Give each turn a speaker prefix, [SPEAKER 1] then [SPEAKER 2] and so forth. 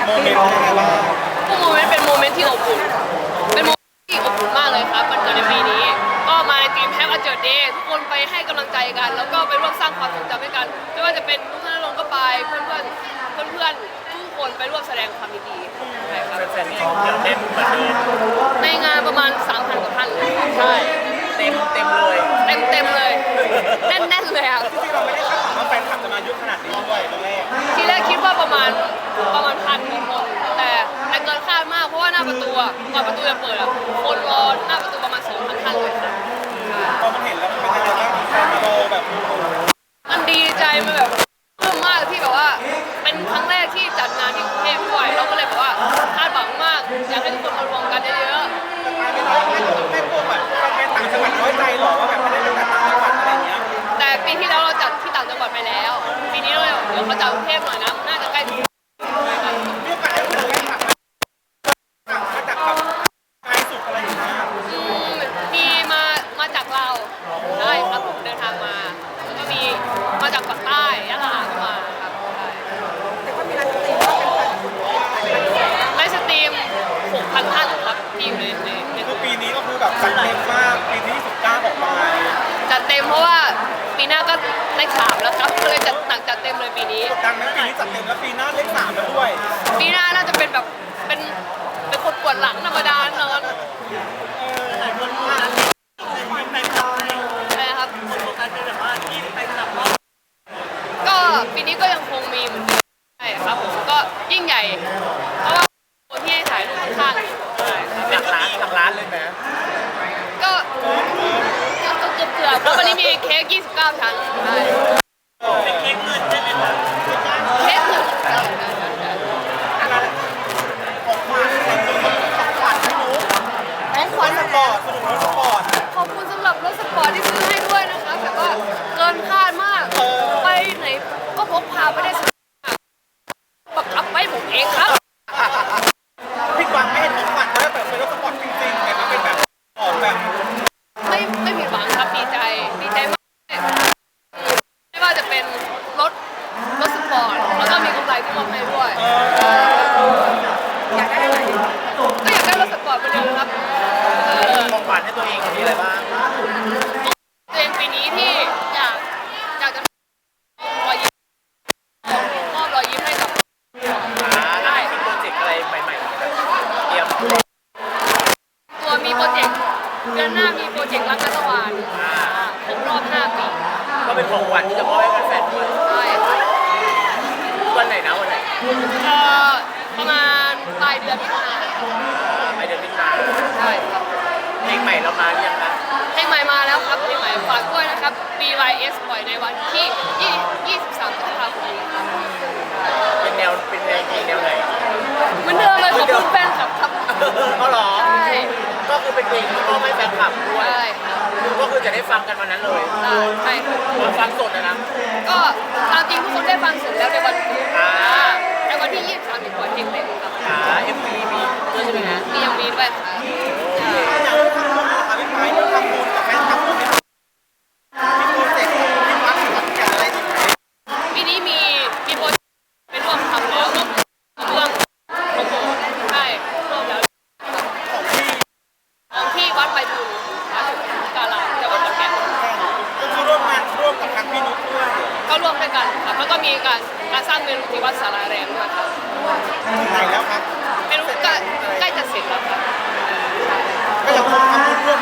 [SPEAKER 1] โมเมนต์ยังไงบ้าง
[SPEAKER 2] โมเมนต์เป็นโมเมนต์ที่อบอุ่นเป็นโมเมนต์ที่อบอุ่นมากเลยครับมันเกิดในปีนี้ก็มาในทีมแฮปปี้เจิร์ดเดย์ทุกคนไปให้กำลังใจกันแล้วก็ไปร่วมสร้างความทรงจำให้กันไม่ว่าจะเป็นทุกท่านลงก็ไปเพื่อนทุกคนไปร่วมแสดงความยินดีใช่ครับ
[SPEAKER 1] แฟนๆนี่เดี๋ยวเต็มเหมือนเดิม
[SPEAKER 2] ในงานประมาณ 3,000 กว่าท่านเลย
[SPEAKER 1] ใช่เต็มเลย
[SPEAKER 2] เต็มเลยแน่นเลยอ่ะ
[SPEAKER 1] ที่เราไม่ได้คาดหวังว่าแฟนคลับจะมาเยอะขนาดนี้ด้วยตอนแรก
[SPEAKER 2] ทีแรกคิดว่าประมาณ1,000 คนแต่เกินคาดมากเพราะว่าหน้าประตูก่อนประตูจะเปิดคนรอหน้าประตูประมาณ 2,000 ท่านเลยค่ะ
[SPEAKER 1] พอมันเห็นแล้วมันเป็นยังไงบ้างแฟนมาโดแบบ
[SPEAKER 2] มันดีใจมันแบบปลื้มมากที่แบบว่าเป็นครั้งแรกที่จัดงานที่กรุงเทพด้วยเราก็เลยแบบว่าคาดหวังมากอยากให้ทุกคนมารวมกันเยอะ
[SPEAKER 1] ไม่กลัวแบบแฟนต่างจังหวัดน้อยใจหรอว่าแบบไม่ได้ไปจัดต่างจังหวัดอะไรเงี้ย
[SPEAKER 2] ๆแต่ปีที่แล้วเราจัดที่ต่างจังหวัดไปแล้วปีนี้เราเดี๋ยวเขาจัดกรุงเทพหน่อยนะน่าจะใกล้ถึง
[SPEAKER 1] มีโอกาสได้คุยกับแฟนคลับมาจากแบบไกลสุดอะไรอย่างเงี้ย
[SPEAKER 2] มีมาจากเราใช่ครับผมเดินทางมาแล้วก็มีมาจากฝั่งใต้ยะลาก็มาครับ
[SPEAKER 3] แต่ก็มีร้านสตรีมว่าเป็นพัน
[SPEAKER 2] ไลฟ์สตรีม 6,000 ท่านครับที่อยู่ใน
[SPEAKER 1] คือปีนี้ก็คือแบบจัดเต็มมากปีที่19ออกมา
[SPEAKER 2] จัดเต็มเพราะว่าปีหน้าก็เลข3แล้วครับก็เลยจัดเต็มเลยปีนี้
[SPEAKER 1] ดังนั้นปีนี้จัดเต็มแล้วปีหน้าเลข3แล้วด้วย
[SPEAKER 2] ปีหน้าน่าจะเป็นแบบเป็นคนปวดหลังธรรมดานอน
[SPEAKER 1] หลายคนมากในตอน
[SPEAKER 2] ใช่ครับ
[SPEAKER 1] คนโฟกัสเป็นแบบว่าที่ไปจับ
[SPEAKER 2] ก็ปีนี้ก็ยังคงมีเหมือนเดิมใช่ครับผมก็ยิ่งใหญ่เพราะว่าคนที่ให้ถ่ายรูปข้างๆใช่ครับ
[SPEAKER 1] หลักล้านเลยไหม
[SPEAKER 2] ก็เกือบเพราะวันนี้มีเค้ก29 ชั้นใช่
[SPEAKER 1] เป็นเค้กเงินใช่ไหมคะ
[SPEAKER 2] เค้ก1
[SPEAKER 1] ของขวัญสปอร์ตสนุกรถสปอร์ต
[SPEAKER 2] ขอบคุณสำหรับรถสปอร์ตที่ซื้อให้ด้วยนะคะแต่ก็เกินคาดมากไปไหนก็พกพาไปได้สุดบังคับไปผมเองครับ
[SPEAKER 1] พี่กวางไม่เห็นของขวัญแล้วแบบเป็นรถสปอร์ตจริงๆแต่มันเป็นแบบออกแบบ
[SPEAKER 2] ไม่ผิดหวังครับดีใจมากไม่ว่าจะเป็นรถสปอร์ตแล้วก็มีกำไรที่มอบให้ด้วย
[SPEAKER 3] อยากได้อะไร
[SPEAKER 2] ก็อยากได้รถสปอร์ตเหมือนเดิมครับ
[SPEAKER 1] ของขวัญให้ตัวเองมีอะไรบ้าง
[SPEAKER 2] ตัวเองปีนี้ที่อยากจะรอยยิ้มมอบรอยยิ้มให้กับ
[SPEAKER 1] ได้มีโปรเจกต์อะไรใหม่ๆเตรียม
[SPEAKER 2] ตัวมีโปรเจกต์เดือนหน้ามีโปรเจกต์รักนัตวานครบรอบ5 ปี
[SPEAKER 1] ก็เป็นของขวัญที่จะมอบให้แฟนๆด้วย
[SPEAKER 2] ใช่
[SPEAKER 1] วันไหนนะวันไหน
[SPEAKER 2] ประมาณปลายเดือนมิถุนายนใช่ครับ
[SPEAKER 1] เพลงใหม่เรามาหรือยังคะ
[SPEAKER 2] เพลงใหม่มาแล้วครับเพลงใหม่ฝากด้วยนะครับ BYS ปล่อยในวันที่23 พฤษภาคมนี้ครับ
[SPEAKER 1] เป็นเพลงแนวไหน
[SPEAKER 2] เหมือนเดิมเลยขอบคุณแฟนคลับครับ
[SPEAKER 1] ก็หรอ
[SPEAKER 2] ใช่
[SPEAKER 1] ก็คือเป็นเพลงที่มอบให้แฟนคลับด้วย
[SPEAKER 2] ใช่
[SPEAKER 1] ก็คือจะได้ฟังกันวันนั้นเลย
[SPEAKER 2] ใช่
[SPEAKER 1] ฟังสดนะ
[SPEAKER 2] ก็ตามจริงทุกคนได้ฟังเสร็จแล้วในวันในวันที่23มีปล่อยเพลงเต็มครับ
[SPEAKER 1] MV มีด้วยใช่ไหมฮะ
[SPEAKER 2] มียังมีด้วยค่ะ
[SPEAKER 1] อยากทำบุญนะคะพี่ไม้ทำบุญกับแฟนคลับมีโปรเจกต์ที่วัดขอนแก่นอะไรอีกไหม
[SPEAKER 2] ปีนี้มีโปรเจกต์ไปร่วมทำแล้วร่วมเรื่องของผมใช่ร่วมแล้วของที่วัดใบบุญกาลาจังหวัดขอนแก่น
[SPEAKER 1] ก็คือร่วมกับทางพี่นุ๊กด้วย
[SPEAKER 2] ก็ร่วมด้วยกันครับแล้วก็มีการสร้างเมนูที่วัดสาราแรงด้วยครับ
[SPEAKER 1] ถึงไหนแล้วครับ
[SPEAKER 2] เมนูใกล้จะเสร็จแล้วครับ
[SPEAKER 1] ก็ยังคงทำบุญร่ว